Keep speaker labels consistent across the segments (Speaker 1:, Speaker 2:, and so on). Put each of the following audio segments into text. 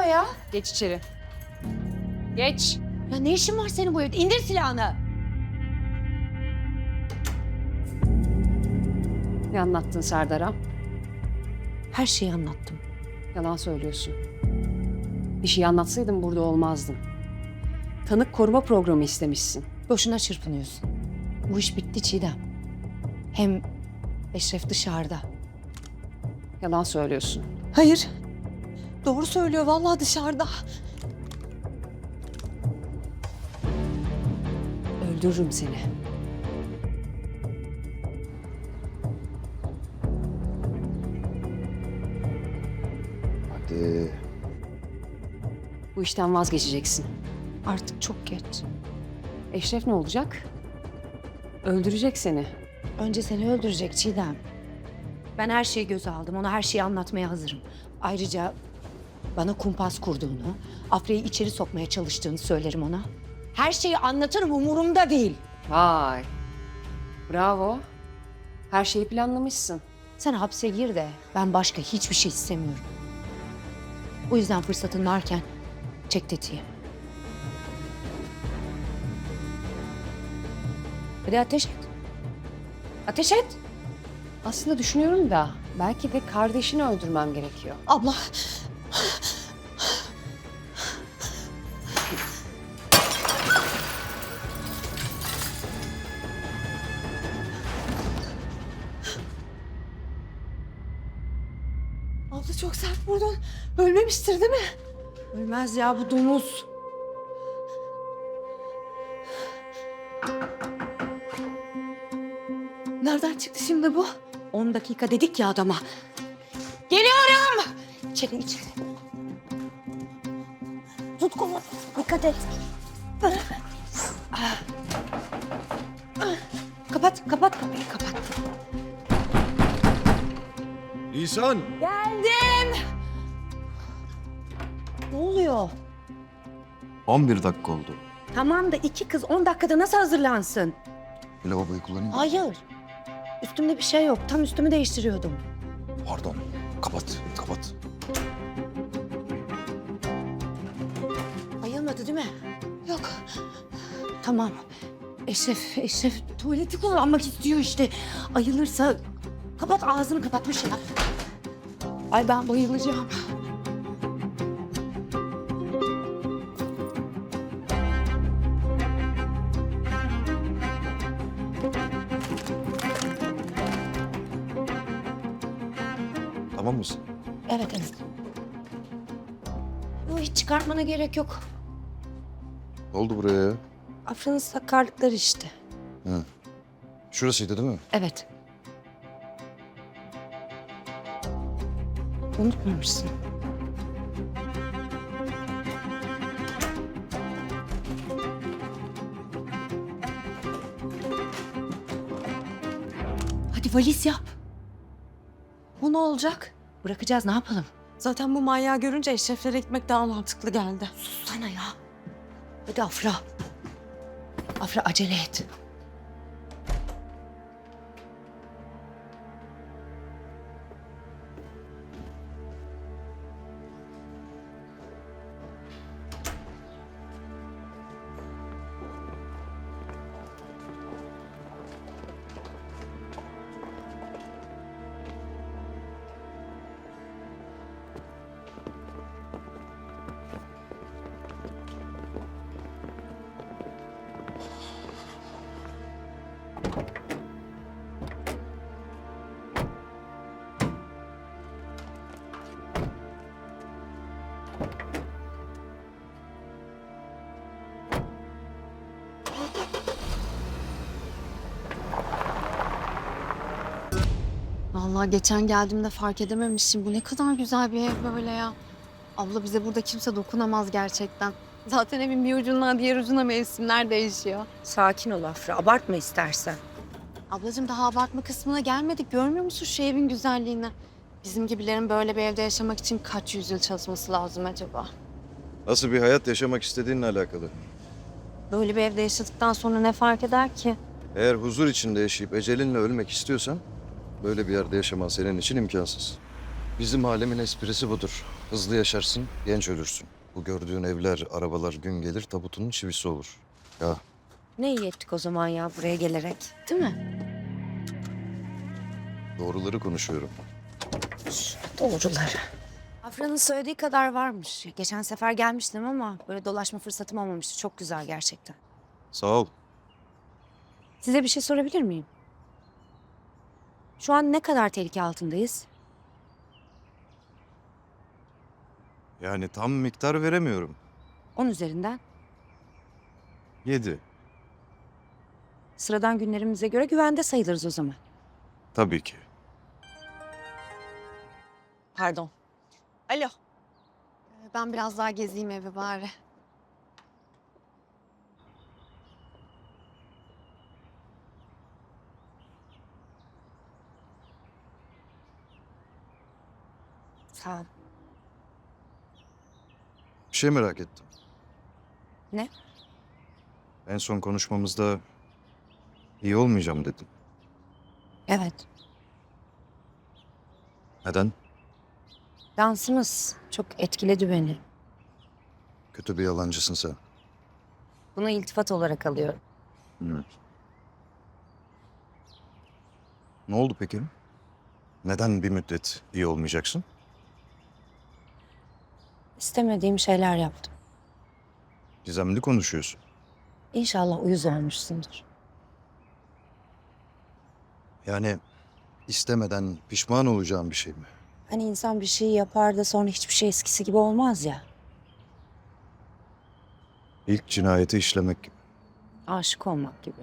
Speaker 1: ya?
Speaker 2: Geç içeri. Geç.
Speaker 1: Ya ne işin var senin bu evde? İndir silahını.
Speaker 2: Ne anlattın Serdar'a?
Speaker 1: Her şeyi anlattım.
Speaker 2: Yalan söylüyorsun. Bir şey anlatsaydın burada olmazdın. Tanık koruma programı istemişsin.
Speaker 1: Boşuna çırpınıyorsun. Bu iş bitti Çiğdem. Hem Eşref dışarıda.
Speaker 2: Yalan söylüyorsun.
Speaker 1: Hayır. Doğru söylüyor vallahi dışarıda.
Speaker 2: Öldürürüm seni.
Speaker 3: Hadi.
Speaker 2: Bu işten vazgeçeceksin.
Speaker 1: Artık çok geç.
Speaker 2: Eşref ne olacak? Öldürecek seni.
Speaker 1: Önce seni öldürecek Çiğdem. Ben her şeyi göze aldım. Ona her şeyi anlatmaya hazırım. Ayrıca bana kumpas kurduğunu, Afra'yı içeri sokmaya çalıştığını söylerim ona. Her şeyi anlatırım, umurumda değil.
Speaker 2: Vay. Bravo. Her şeyi planlamışsın.
Speaker 1: Sen hapse gir de ben başka hiçbir şey istemiyorum. O yüzden fırsatın varken çek tetiği. Hadi ateş et. Ateş et.
Speaker 2: Aslında düşünüyorum da belki de kardeşini öldürmem gerekiyor.
Speaker 1: Abla. Abla çok sert vurdun. Ölmemiştir değil mi? Ölmez ya bu domuz. Nereden çıktı şimdi bu? 10 dakika dedik ya adama. Geliyorum. İçeri. Tut kolu. Dikkat et. Kapat kapıyı kapat.
Speaker 3: İhsan!
Speaker 1: Geldim. Ne oluyor?
Speaker 3: 11 dakika oldu.
Speaker 1: Tamam da 2 kız 10 dakikada nasıl hazırlansın?
Speaker 3: Lavaboyu kullanayım mı?
Speaker 1: Hayır. Üstümde bir şey yok. Tam üstümü değiştiriyordum.
Speaker 3: Pardon. Kapat.
Speaker 1: Ayılmadı değil mi? Yok. Tamam. Eşref tuvaleti kullanmak istiyor işte. Ayılırsa kapat ağzını kapatmış ya. Ay ben bayılacağım.
Speaker 3: Tamam mısın?
Speaker 1: Evet. Yok, hiç çıkartmana gerek yok.
Speaker 3: Ne oldu buraya ya?
Speaker 1: Afra'nın sakarlıkları işte.
Speaker 3: Hı. Şurasıydı değil mi?
Speaker 1: Evet. Unutmamışsın. Hadi valiz yap. O ne olacak? Bırakacağız, ne yapalım?
Speaker 4: Zaten bu manyağı görünce Eşref'lere gitmek daha mantıklı geldi.
Speaker 1: Sussana ya. Hadi Afra. Afra acele et.
Speaker 4: Vallahi geçen geldiğimde fark edememişim. Bu ne kadar güzel bir ev böyle ya. Abla bize burada kimse dokunamaz gerçekten. Zaten evin bir ucundan diğer ucuna mevsimler değişiyor.
Speaker 1: Sakin ol Afra, abartma istersen.
Speaker 4: Ablacığım daha abartma kısmına gelmedik. Görmüyor musun şu evin güzelliğini? Bizim gibilerin böyle bir evde yaşamak için kaç yüzyıl çalışması lazım acaba?
Speaker 3: Nasıl bir hayat yaşamak istediğinle alakalı.
Speaker 4: Böyle bir evde yaşadıktan sonra ne fark eder ki?
Speaker 3: Eğer huzur içinde yaşayıp ecelinle ölmek istiyorsan böyle bir yerde yaşaman senin için imkansız. Bizim alemin esprisi budur. Hızlı yaşarsın, genç ölürsün. Bu gördüğün evler, arabalar gün gelir tabutunun çivisi olur. Ya
Speaker 1: Ne iyi ettik o zaman ya buraya gelerek. Değil mi?
Speaker 3: doğruları konuşuyorum.
Speaker 1: Doğruları. Afra'nın söylediği kadar varmış. Geçen sefer gelmiştim ama böyle dolaşma fırsatım olmamıştı. Çok güzel gerçekten.
Speaker 3: Sağ ol.
Speaker 1: Size bir şey sorabilir miyim? Şu an ne kadar tehlike altındayız?
Speaker 3: Yani tam miktar veremiyorum.
Speaker 1: 10 üzerinden.
Speaker 3: 7.
Speaker 1: Sıradan günlerimize göre güvende sayılırız o zaman.
Speaker 3: Tabii ki.
Speaker 4: Pardon. Alo. Ben biraz daha gezeyim evi bari.
Speaker 1: Sağ ol.
Speaker 3: Bir şey merak ettim.
Speaker 1: Ne?
Speaker 3: En son konuşmamızda iyi olmayacağım dedin.
Speaker 1: Evet.
Speaker 3: Neden?
Speaker 1: Dansımız çok etkiledi beni.
Speaker 3: Kötü bir yalancısın sen.
Speaker 1: Bunu iltifat olarak alıyorum.
Speaker 3: Ne oldu peki? Neden bir müddet iyi olmayacaksın?
Speaker 1: İstemediğim şeyler yaptım.
Speaker 3: Gizemli konuşuyorsun.
Speaker 1: İnşallah uyuz olmuşsundur.
Speaker 3: Yani istemeden pişman olacağım bir şey mi?
Speaker 1: Hani insan bir şey yapar da sonra hiçbir şey eskisi gibi olmaz ya.
Speaker 3: İlk cinayeti işlemek gibi.
Speaker 1: Aşık olmak gibi.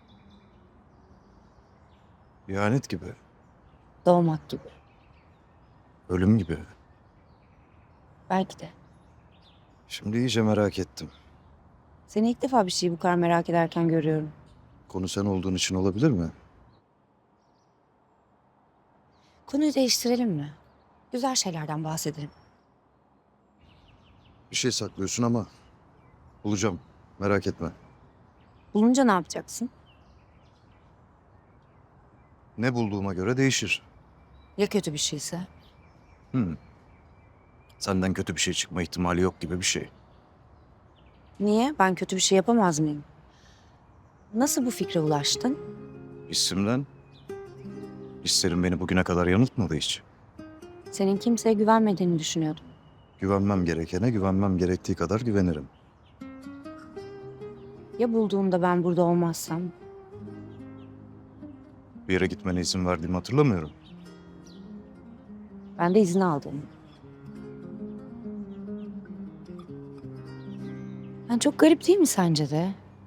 Speaker 3: İhanet gibi.
Speaker 1: Doğmak gibi.
Speaker 3: Ölüm gibi.
Speaker 1: Belki de.
Speaker 3: Şimdi iyice merak ettim.
Speaker 1: Seni ilk defa bir şeyi bu kadar merak ederken görüyorum.
Speaker 3: Konu sen olduğun için olabilir mi?
Speaker 1: Konuyu değiştirelim mi? Güzel şeylerden bahsedelim.
Speaker 3: Bir şey saklıyorsun ama bulacağım. Merak etme.
Speaker 1: Bulunca ne yapacaksın?
Speaker 3: Ne bulduğuma göre değişir.
Speaker 1: Ya kötü bir şeyse?
Speaker 3: Senden kötü bir şey çıkma ihtimali yok gibi bir şey.
Speaker 1: Niye? Ben kötü bir şey yapamaz mıyım? Nasıl bu fikre ulaştın?
Speaker 3: Hissimden. Hislerim beni bugüne kadar yanıltmadı hiç.
Speaker 1: Senin kimseye güvenmediğini düşünüyordum.
Speaker 3: Güvenmem gerekene güvenmem gerektiği kadar güvenirim.
Speaker 1: Ya bulduğumda ben burada olmazsam?
Speaker 3: Bir yere gitmene izin verdiğimi hatırlamıyorum.
Speaker 1: Ben de izin aldım. Ben çok garip değil mi sence de?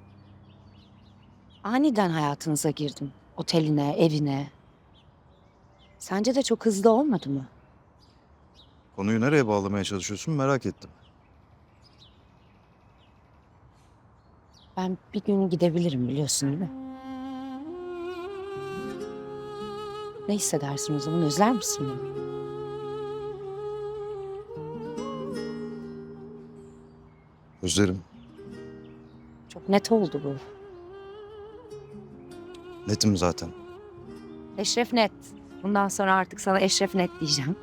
Speaker 1: Aniden hayatınıza girdim. Oteline, evine. Sence de çok hızlı olmadı mı?
Speaker 3: Konuyu nereye bağlamaya çalışıyorsun merak ettim.
Speaker 1: Ben bir gün gidebilirim biliyorsun değil mi? Ne hissedersin o zaman? Özler misin beni?
Speaker 3: Özlerim.
Speaker 1: Çok net oldu bu.
Speaker 3: Netim zaten.
Speaker 1: Eşref Net. Bundan sonra artık sana Eşref Net diyeceğim.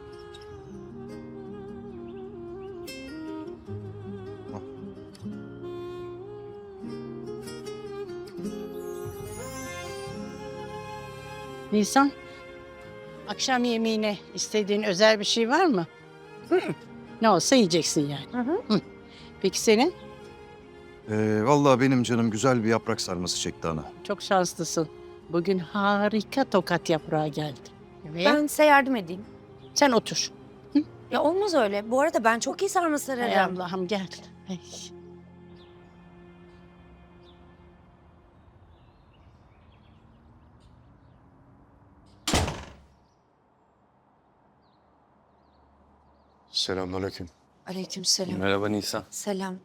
Speaker 5: Nisan, akşam yemeğine istediğin özel bir şey var mı? Hı. Ne olsa yiyeceksin yani. Hı. Peki senin?
Speaker 3: Vallahi benim canım güzel bir yaprak sarması çekti ana.
Speaker 5: Çok şanslısın. Bugün harika tokat yaprağı geldi. Evet.
Speaker 1: Ben size yardım edeyim.
Speaker 5: Sen otur.
Speaker 1: Ya olmaz öyle. Bu arada ben çok iyi sarma
Speaker 5: Hay
Speaker 1: sararım.
Speaker 5: Allah'ım gel. Ay.
Speaker 6: Selamünaleyküm.
Speaker 1: Aleykümselam.
Speaker 6: Merhaba Nisan.
Speaker 1: Selam.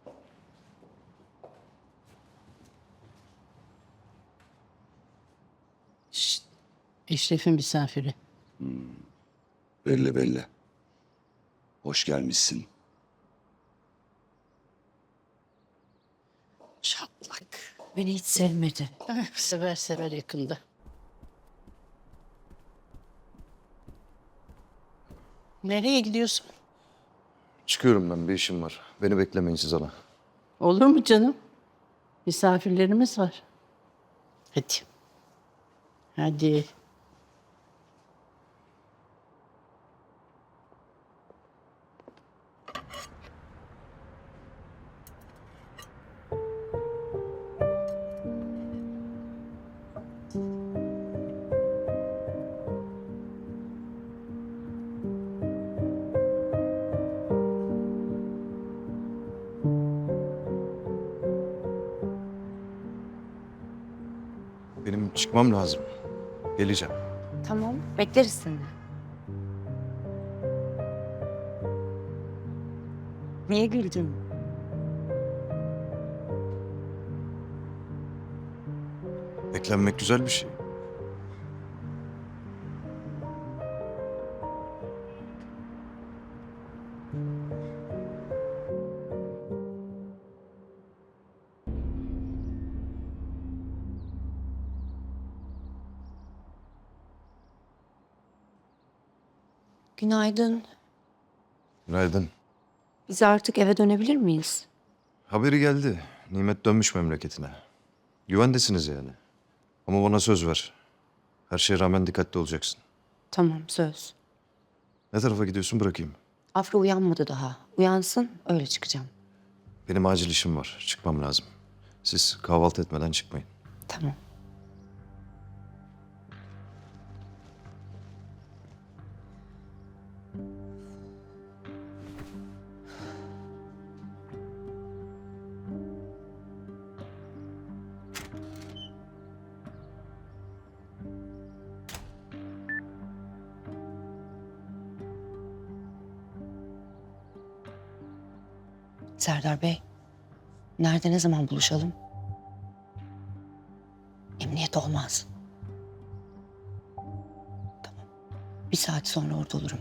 Speaker 5: Şşt. Eşref'in misafiri.
Speaker 6: Belli belli. Hoş gelmişsin.
Speaker 5: Çatlak.
Speaker 1: Beni hiç sevmedi.
Speaker 5: Sever sever yakında. Nereye gidiyorsun?
Speaker 3: Çıkıyorum ben, bir işim var. Beni beklemeyin siz ana.
Speaker 5: Olur mu canım? Misafirlerimiz var. Hadi. Hadi.
Speaker 3: Benim çıkmam lazım. Geleceğim.
Speaker 1: Tamam, bekleriz seni. Niye güldün?
Speaker 3: Beklenmek güzel bir şey.
Speaker 1: Günaydın.
Speaker 3: Günaydın.
Speaker 1: Biz artık eve dönebilir miyiz?
Speaker 3: Haberi geldi. Nimet dönmüş memleketine. Güvendesiniz yani. Ama bana söz ver. Her şeye rağmen dikkatli olacaksın.
Speaker 1: Tamam, söz.
Speaker 3: Ne tarafa gidiyorsun, bırakayım.
Speaker 1: Afra uyanmadı daha. Uyansın, öyle çıkacağım.
Speaker 3: Benim acil işim var. Çıkmam lazım. Siz kahvaltı etmeden çıkmayın.
Speaker 1: Tamam. Serdar Bey, nerede ne zaman buluşalım? Emniyet olmaz. Tamam. Bir saat sonra orada olurum.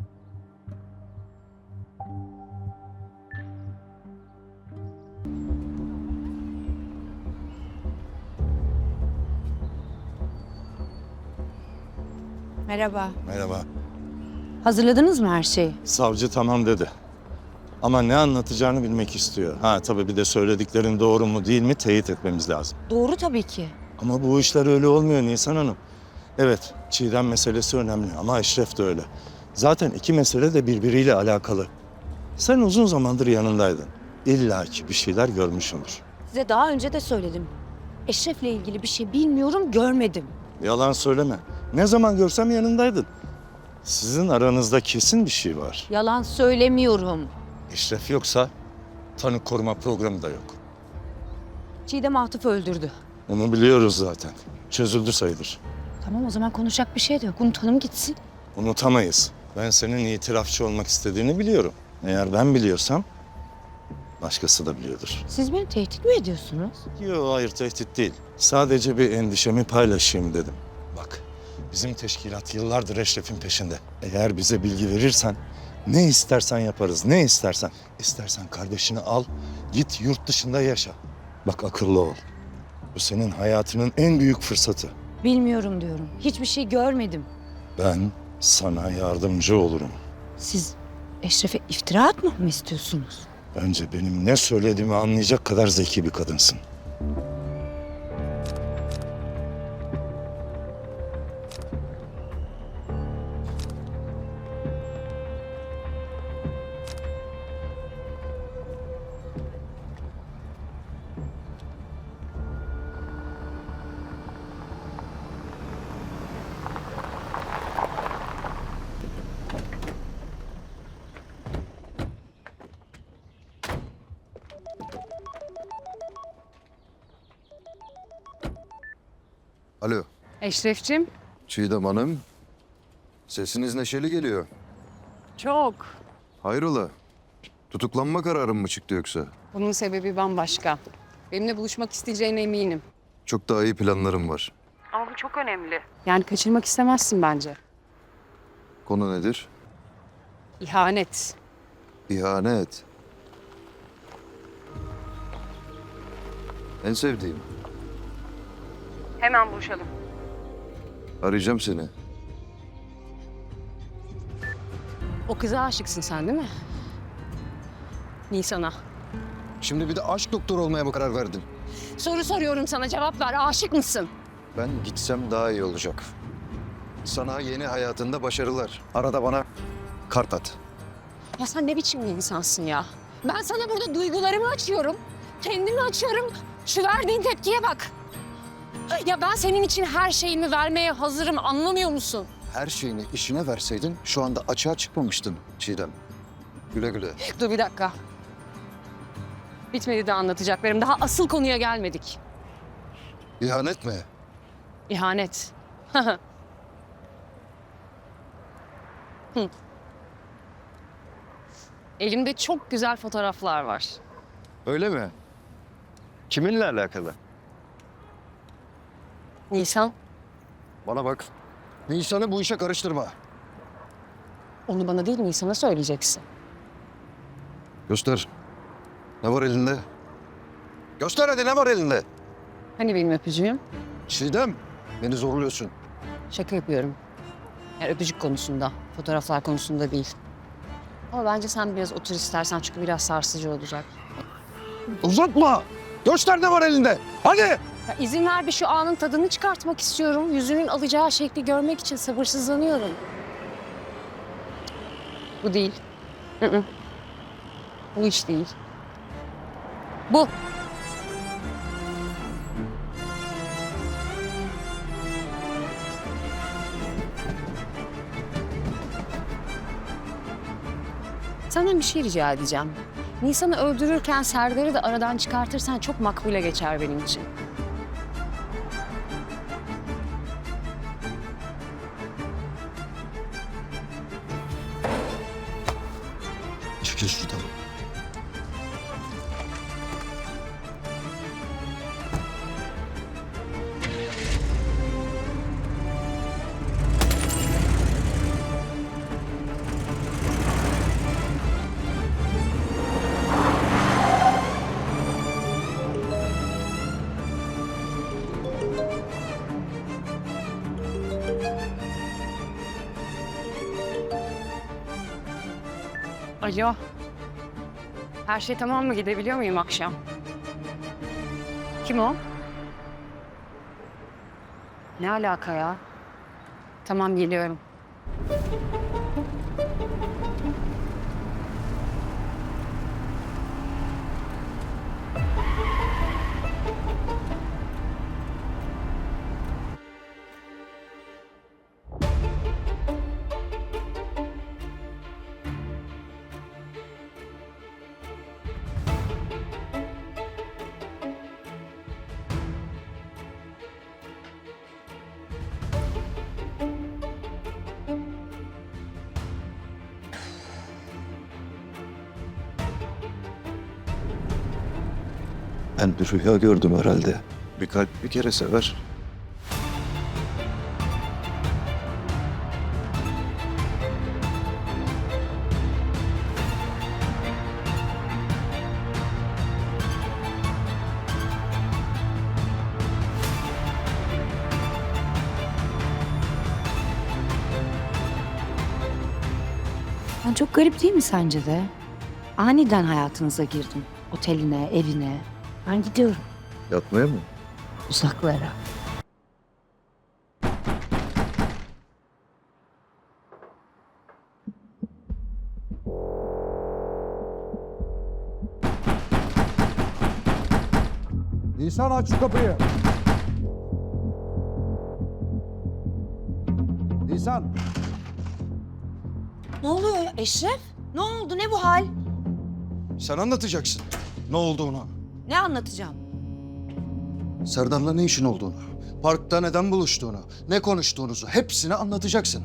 Speaker 1: Merhaba.
Speaker 7: Merhaba.
Speaker 1: Hazırladınız mı her şeyi?
Speaker 7: Savcı tamam dedi. Ama ne anlatacağını bilmek istiyor. Ha tabii bir de söylediklerin doğru mu değil mi teyit etmemiz lazım.
Speaker 1: Doğru tabii ki.
Speaker 7: Ama bu işler öyle olmuyor Nisan Hanım. Evet, Çiğdem meselesi önemli ama Eşref de öyle. Zaten iki mesele de birbiriyle alakalı. Sen uzun zamandır yanındaydın. İlla ki bir şeyler görmüşsündür.
Speaker 1: Size daha önce de söyledim. Eşref'le ilgili bir şey bilmiyorum, görmedim.
Speaker 7: Yalan söyleme. Ne zaman görsem yanındaydın. Sizin aranızda kesin bir şey var.
Speaker 1: Yalan söylemiyorum.
Speaker 7: Eşref yoksa tanık koruma programı da yok.
Speaker 1: Çiğdem Atıf'ı öldürdü.
Speaker 7: Onu biliyoruz zaten. Çözüldü sayılır.
Speaker 1: Tamam, o zaman konuşacak bir şey de yok. Unutalım gitsin.
Speaker 7: Unutamayız. Ben senin itirafçı olmak istediğini biliyorum. Eğer ben biliyorsam başkası da biliyordur.
Speaker 1: Siz beni tehdit mi ediyorsunuz?
Speaker 7: Yok hayır tehdit değil. Sadece bir endişemi paylaşayım dedim. Bak bizim teşkilat yıllardır Eşref'in peşinde. Eğer bize bilgi verirsen ne istersen yaparız, ne istersen. İstersen kardeşini al, git yurt dışında yaşa. Bak akıllı ol. Bu senin hayatının en büyük fırsatı.
Speaker 1: Bilmiyorum diyorum. Hiçbir şey görmedim.
Speaker 7: Ben sana yardımcı olurum.
Speaker 1: Siz Eşref'e iftira atmamı mı istiyorsunuz?
Speaker 7: Bence benim ne söylediğimi anlayacak kadar zeki bir kadınsın.
Speaker 3: Alo,
Speaker 2: Eşref'cim.
Speaker 3: Çiğdem Hanım. Sesiniz neşeli geliyor.
Speaker 2: Çok.
Speaker 3: Hayrola? Tutuklanma kararı mı çıktı yoksa?
Speaker 2: Bunun sebebi bambaşka. Benimle buluşmak isteyeceğine eminim.
Speaker 3: Çok daha iyi planlarım var.
Speaker 2: Ama bu çok önemli. Yani kaçırmak istemezsin bence.
Speaker 3: Konu nedir?
Speaker 2: İhanet.
Speaker 3: İhanet. En sevdiğim.
Speaker 2: Hemen buluşalım.
Speaker 3: Arayacağım seni.
Speaker 2: O kıza aşıksın sen değil mi? Nisan'a.
Speaker 3: Şimdi bir de aşk doktoru olmaya mı karar verdin?
Speaker 2: Soru soruyorum sana, cevap ver. Aşık mısın?
Speaker 3: Ben gitsem daha iyi olacak. Sana yeni hayatında başarılar. Arada bana kart at.
Speaker 2: Ya sen ne biçim bir insansın ya? Ben sana burada duygularımı açıyorum. Kendimi açıyorum. Şu verdiğin tepkiye bak. Ya ben senin için her şeyimi vermeye hazırım, anlamıyor musun?
Speaker 3: Her şeyini işine verseydin şu anda açığa çıkmamıştın Çiğdem. Güle güle.
Speaker 2: Dur bir dakika. Bitmedi de anlatacaklarım. Daha asıl konuya gelmedik.
Speaker 3: İhanet mi?
Speaker 2: İhanet. Hı. Elimde çok güzel fotoğraflar var.
Speaker 3: Öyle mi? Kiminle alakalı?
Speaker 2: Nisan,
Speaker 3: Bana bak. Nisan'ı bu işe karıştırma.
Speaker 2: onu bana değil Nisan'a söyleyeceksin.
Speaker 3: Göster. Ne var elinde? Göster hadi ne var elinde?
Speaker 2: Hani benim öpücüğüm?
Speaker 3: Çiğdem, beni zorluyorsun.
Speaker 2: Şaka yapıyorum. Yani öpücük konusunda, fotoğraflar konusunda değil. Ama bence sen biraz otur istersen çünkü biraz sarsıcı olacak.
Speaker 3: Uzatma. Göster ne var elinde. Hadi.
Speaker 2: Ya izin ver bir şu anın tadını çıkartmak istiyorum. Yüzünün alacağı şekli görmek için sabırsızlanıyorum. Bu değil. Hı. Bu hiç değil. Bu. Senden bir şey rica edeceğim. Nisan'ı öldürürken Serdar'ı da aradan çıkartırsan çok makbule geçer benim için.
Speaker 3: Çekil şuradan.
Speaker 2: Alo. Her şey tamam mı? Gidebiliyor muyum akşam? Kim o? Ne alaka ya? Tamam, geliyorum.
Speaker 3: Ben bir rüya gördüm herhalde. Bir kalp bir kere sever.
Speaker 1: Ben çok garip değil mi sence de? Aniden hayatınıza girdim. Oteline, evine. Ben gidiyorum
Speaker 3: Yatmaya mı?
Speaker 1: uzaklara.
Speaker 8: Nisan aç şu kapıyı. Nisan.
Speaker 1: Ne oluyor ya Eşref? Ne oldu? Ne bu hal?
Speaker 3: Sen anlatacaksın ne olduğunu.
Speaker 1: Ne anlatacağım?
Speaker 3: Serdar'la ne işin olduğunu. Parkta neden buluştuğunu, ne konuştuğunuzu hepsini anlatacaksın.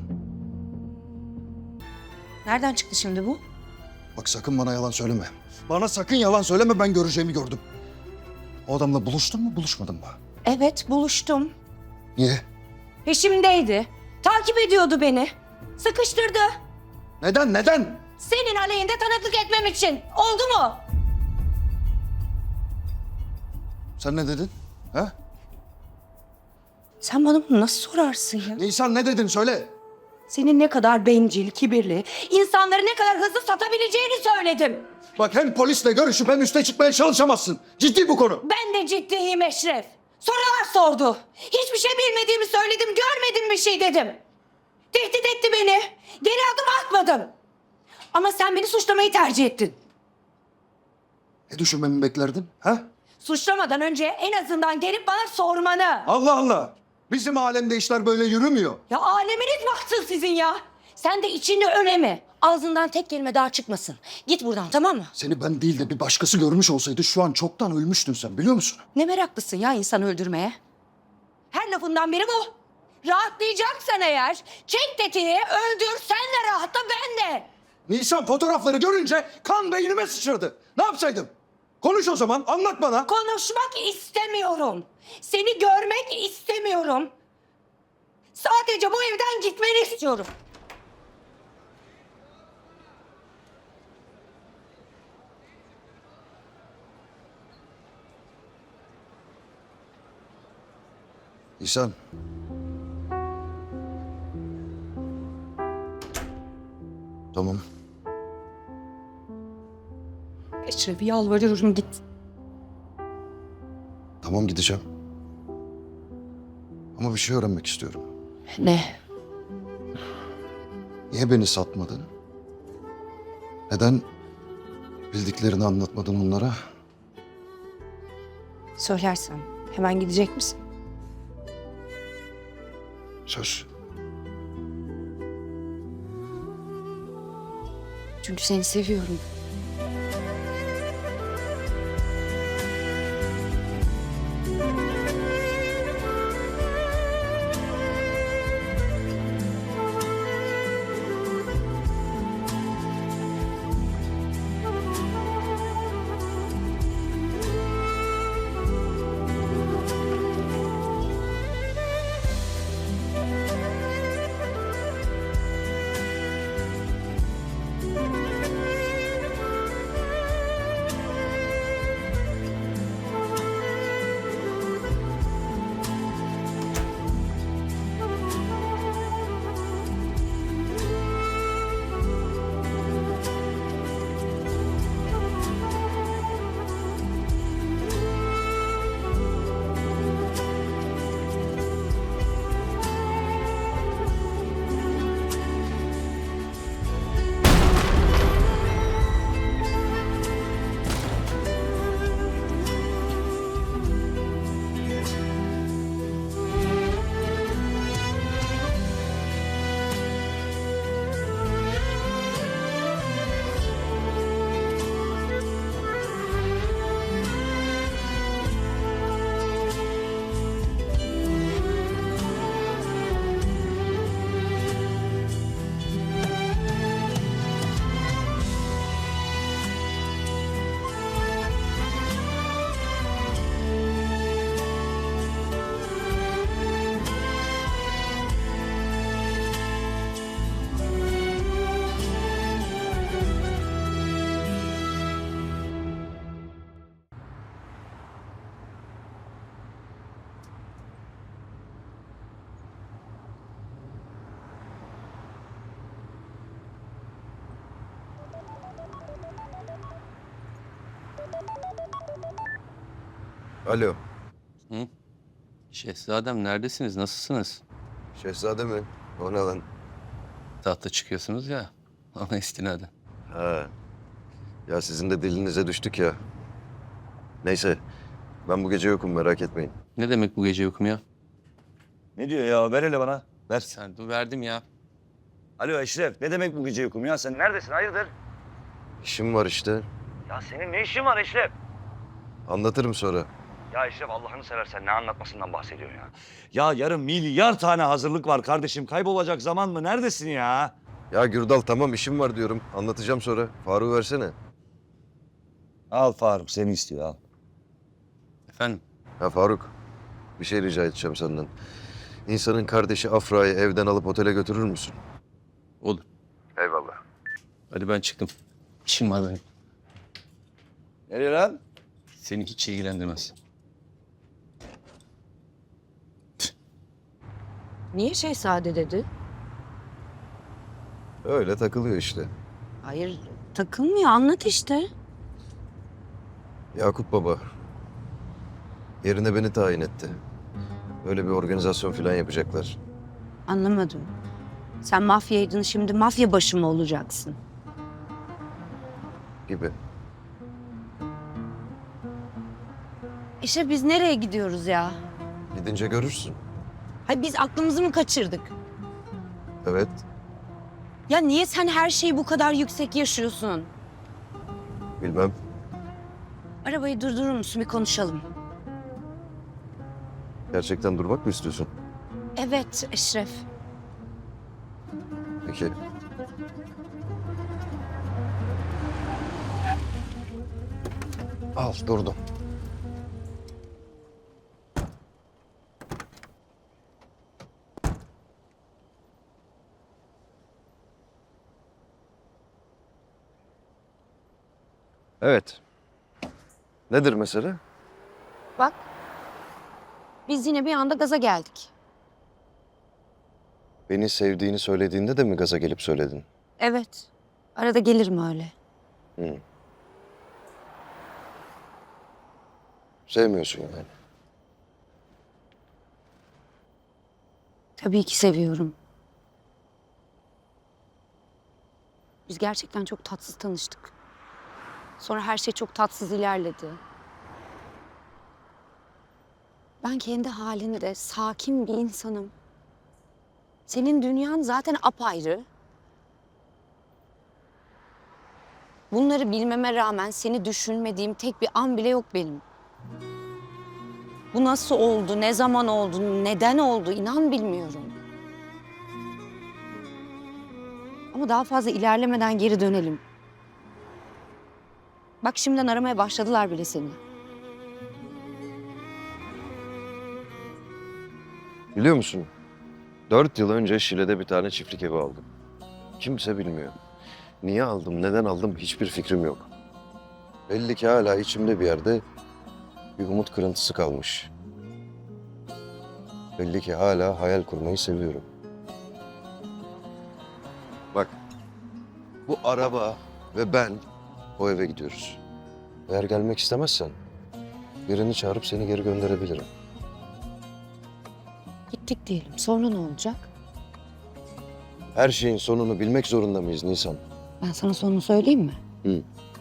Speaker 1: Nereden çıktı şimdi bu?
Speaker 3: Bak sakın bana yalan söyleme. Bana sakın yalan söyleme, ben göreceğimi gördüm. O adamla buluştun mu, buluşmadın mı?
Speaker 1: Evet, buluştum.
Speaker 3: Niye?
Speaker 1: Peşimdeydi. Takip ediyordu beni. Sıkıştırdı.
Speaker 3: Neden?
Speaker 1: Senin aleyhinde tanıklık etmem için. Oldu mu?
Speaker 3: Sen ne dedin? Ha?
Speaker 1: Sen bana bunu nasıl sorarsın ya?
Speaker 3: Nisan ne dedin söyle.
Speaker 1: Senin ne kadar bencil, kibirli, insanları ne kadar hızlı satabileceğini söyledim.
Speaker 6: Bak hem polisle görüşüp hem üste çıkmaya çalışamazsın. Ciddi bu konu.
Speaker 1: Ben de ciddiyim Eşref. Sorular sordu. Hiçbir şey bilmediğimi söyledim, görmedim bir şey dedim. Tehdit etti beni. Geri adım atmadım. Ama sen beni suçlamayı tercih ettin.
Speaker 6: Ne düşünmemi beklerdin? Ha?
Speaker 1: Suçlamadan önce en azından gelip bana sormanı.
Speaker 6: Allah Allah. Bizim alemde işler böyle yürümüyor.
Speaker 1: Ya aleminiz baksın sizin ya. Sen de içini öneme. Ağzından tek kelime daha çıkmasın. Git buradan, tamam mı?
Speaker 6: Seni ben değil de bir başkası görmüş olsaydı şu an çoktan ölmüştün sen, biliyor musun?
Speaker 1: Ne meraklısın ya insan öldürmeye. Her lafından biri bu. Rahatlayacaksan eğer çek tetiği, öldür, sen de rahatla, ben de.
Speaker 6: Nisan, fotoğrafları görünce kan beynime sıçradı. Ne yapsaydım? Konuş o zaman, anlat bana.
Speaker 1: Konuşmak istemiyorum. Seni görmek istemiyorum. Sadece bu evden gitmeni istiyorum.
Speaker 3: İhsan. Tamam.
Speaker 1: Eşref, yalvarıyorum git.
Speaker 3: Tamam gideceğim. Ama bir şey öğrenmek istiyorum.
Speaker 1: Ne?
Speaker 3: Niye beni satmadın? Neden bildiklerini anlatmadın onlara?
Speaker 1: Söylersem hemen gidecek misin?
Speaker 3: Söz.
Speaker 1: Çünkü seni seviyorum.
Speaker 3: Alo.
Speaker 9: Şehzadem neredesiniz? Nasılsınız?
Speaker 3: Şehzade mi? O ne lan?
Speaker 9: Tahta çıkıyorsunuz ya. Ona istinaden.
Speaker 3: Ha. Ya sizin de dilinize düştük ya. Neyse. Ben bu gece yokum, merak etmeyin.
Speaker 9: Ne demek bu gece yokum ya?
Speaker 10: Ne diyor ya? Ver hele bana. Ver.
Speaker 9: Sen dur verdim ya.
Speaker 10: Alo Eşref, ne demek bu gece yokum ya? Sen neredesin? Hayırdır?
Speaker 3: İşim var işte.
Speaker 10: Ya senin ne işin var Eşref?
Speaker 3: Anlatırım sonra.
Speaker 10: Ya Eşref Allah'ını seversen ne anlatmasından bahsediyorsun ya? Ya yarın milyar tane hazırlık var kardeşim. Kaybolacak zaman mı? Neredesin ya?
Speaker 3: Ya Gürdal tamam işim var diyorum. Anlatacağım sonra. Faruk'u versene.
Speaker 10: Al Faruk, seni istiyor al.
Speaker 9: Efendim?
Speaker 3: Ha Faruk. Bir şey rica edeceğim senden. İnsanın kardeşi Afra'yı evden alıp otele götürür müsün?
Speaker 9: Olur.
Speaker 3: Eyvallah.
Speaker 9: Hadi ben çıktım. İşim var benim.
Speaker 10: Nereye lan?
Speaker 9: Seni hiç ilgilendirmez.
Speaker 1: Niye şehzade dedi?
Speaker 3: Öyle takılıyor işte.
Speaker 1: Hayır, takılmıyor. Anlat işte.
Speaker 3: Yakup Baba yerine beni tayin etti. Öyle bir organizasyon falan yapacaklar
Speaker 1: Anlamadım. Sen mafyaydın, şimdi mafya başı mı olacaksın?
Speaker 3: gibi.
Speaker 1: İşte biz nereye gidiyoruz ya?
Speaker 3: Gidince görürsün.
Speaker 1: Hayır, biz aklımızı mı kaçırdık?
Speaker 3: Evet.
Speaker 1: Ya niye sen her şeyi bu kadar yüksek yaşıyorsun?
Speaker 3: Bilmem.
Speaker 1: Arabayı durdurur musun, bir konuşalım.
Speaker 3: Gerçekten durmak mı istiyorsun?
Speaker 1: Evet Eşref.
Speaker 3: Peki. Al durdum. Evet. Nedir mesele?
Speaker 1: Bak. Biz yine bir anda gaza geldik.
Speaker 3: Beni sevdiğini söylediğinde de mi gaza gelip söyledin?
Speaker 1: Evet. Arada gelirim öyle.
Speaker 3: Hı. Sevmiyorsun yani.
Speaker 1: Tabii ki seviyorum. Biz gerçekten çok tatsız tanıştık. Sonra her şey çok tatsız ilerledi. Ben kendi halinde sakin bir insanım. Senin dünyan zaten apayrı. Bunları bilmeme rağmen seni düşünmediğim tek bir an bile yok benim. Bu nasıl oldu, ne zaman oldu, neden oldu inan bilmiyorum. Ama daha fazla ilerlemeden geri dönelim. Bak şimdiden aramaya başladılar bile seni.
Speaker 3: Biliyor musun? 4 yıl önce Şile'de bir tane çiftlik evi aldım. Kimse bilmiyor. Niye aldım, neden aldım hiçbir fikrim yok. Belli ki hala içimde bir yerde bir umut kırıntısı kalmış. Belli ki hala hayal kurmayı seviyorum. Bak, bu araba ve ben o eve gidiyoruz. Eğer gelmek istemezsen birini çağırıp seni geri gönderebilirim.
Speaker 1: Gittik diyelim. Sonra ne olacak?
Speaker 3: Her şeyin sonunu bilmek zorunda mıyız Nisan?
Speaker 1: Ben sana sonunu söyleyeyim mi?
Speaker 3: Hı.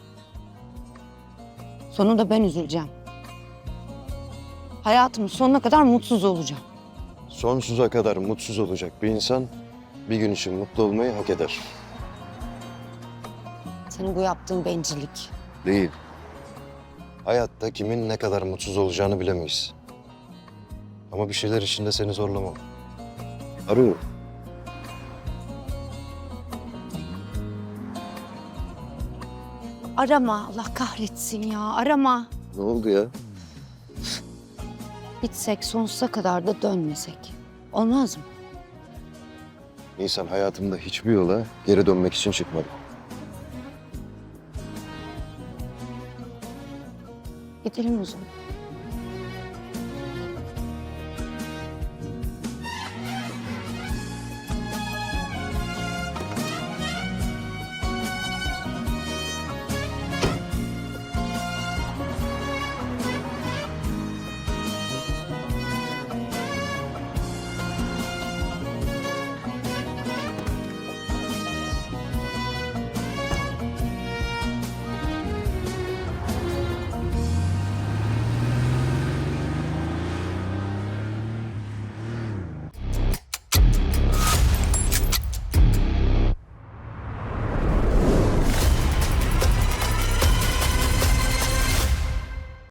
Speaker 1: Sonunda ben üzüleceğim. Hayatımın sonuna kadar mutsuz olacağım.
Speaker 3: Sonsuza kadar mutsuz olacak bir insan bir gün için mutlu olmayı hak eder.
Speaker 1: Senin bu yaptığın bencillik.
Speaker 3: Değil. Hayatta kimin ne kadar mutsuz olacağını bilemeyiz. Ama bir şeyler için de seni zorlamam. Arıyorum.
Speaker 1: Arama, Allah kahretsin ya, arama.
Speaker 3: Ne oldu ya?
Speaker 1: Gitsek sonsuza kadar da dönmesek. Olmaz mı?
Speaker 3: Nisan, hayatımda hiçbir yola geri dönmek için çıkmadım.
Speaker 1: Gidelim o zaman.